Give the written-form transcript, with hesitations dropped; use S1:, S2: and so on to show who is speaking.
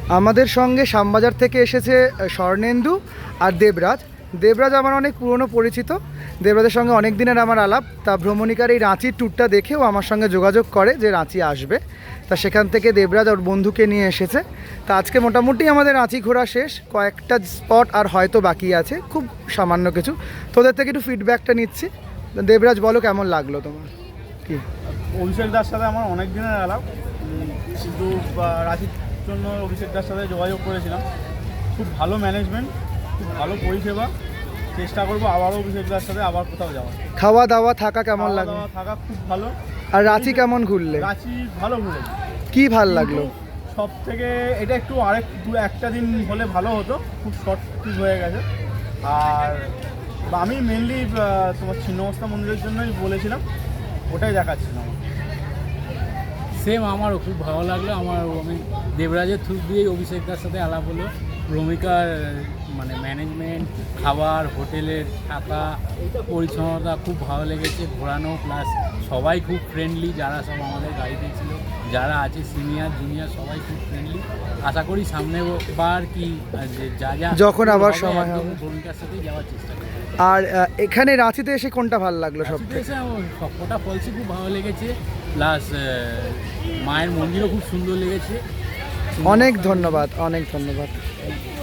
S1: আমাদের সঙ্গে শ্যামবাজার থেকে এসেছে স্বর্ণেন্দু আর দেবরাজ। দেবরাজ আমার অনেক পুরনো পরিচিত, দেবরাজের সঙ্গে অনেক দিনের আমার আলাপ। তা ভ্রমণিকার এই রাঁচির ট্যুরটা দেখেও আমার সঙ্গে যোগাযোগ করে যে রাঁচি আসবে, তা সেখান থেকে দেবরাজ ওর বন্ধুকে নিয়ে এসেছে। তা আজকে মোটামুটি আমাদের রাঁচি ঘোরা শেষ, কয়েকটা স্পট আর হয়তো বাকি আছে, খুব সামান্য কিছু। তোদের থেকে একটু ফিডব্যাকটা নিচ্ছি। দেবরাজ বলো কেমন লাগলো তোমার? কি
S2: অভিষেক দার সাথে আমার অনেক দিনের আলাপ, কিন্তু রাঁচির জন্য অভিষেক দার সাথে যোগাযোগ করেছিলাম। খুব ভালো ম্যানেজমেন্ট, খুব ভালো পরিষেবা। চেষ্টা করবো আবারও অভিষেক দার সাথে আবার কোথাও যাওয়ার।
S1: খাওয়া দাওয়া থাকা কেমন
S2: খাওয়া
S1: লাগলো?
S2: দাওয়া থাকা খুব ভালো।
S1: আর রাঁচি কেমন ঘুরলে?
S2: রাঁচি ভালো ঘুরেছি।
S1: কি ভাল লাগলো?
S2: সব থেকে এটা একটু একটা দিন হলে ভালো হতো, খুব শর্ট ট্রিপ হয়ে গেছে। আর আমি মেনলি তোমার ছিন্নমস্তা মন্দিরের জন্যই বলেছিলাম, ওটাই দেখাচ্ছিলাম।
S3: সেম আমারও খুব ভালো লাগলো। আমি দেবরাজের থ্রু দিয়েই অভিষেকদার সাথে আলাপ হলো। ভূমিকার মানে ম্যানেজমেন্ট, খাবার, হোটেলের থাকা, পরিচ্ছন্নতা খুব ভালো লেগেছে। ঘোরানো প্লাস সবাই খুব ফ্রেন্ডলি, যারা সব আমাদের গাড়িতে ছিল, যারা আছে সিনিয়র জুনিয়র সবাই খুব ফ্রেন্ডলি। আশা করি সামনে বার কি যা
S1: যখন আবার সময় হবে
S3: ভূমিকার সাথেই যাওয়ার চেষ্টা করি।
S1: আর এখানে রাঁচিতে এসে কোনটা ভালো লাগলো সবথেকে?
S3: এসে সবকটা ফলসই খুব ভালো লেগেছে, প্লাস মায়ের মন্দিরও খুব সুন্দর লেগেছে।
S1: অনেক ধন্যবাদ, অনেক ধন্যবাদ।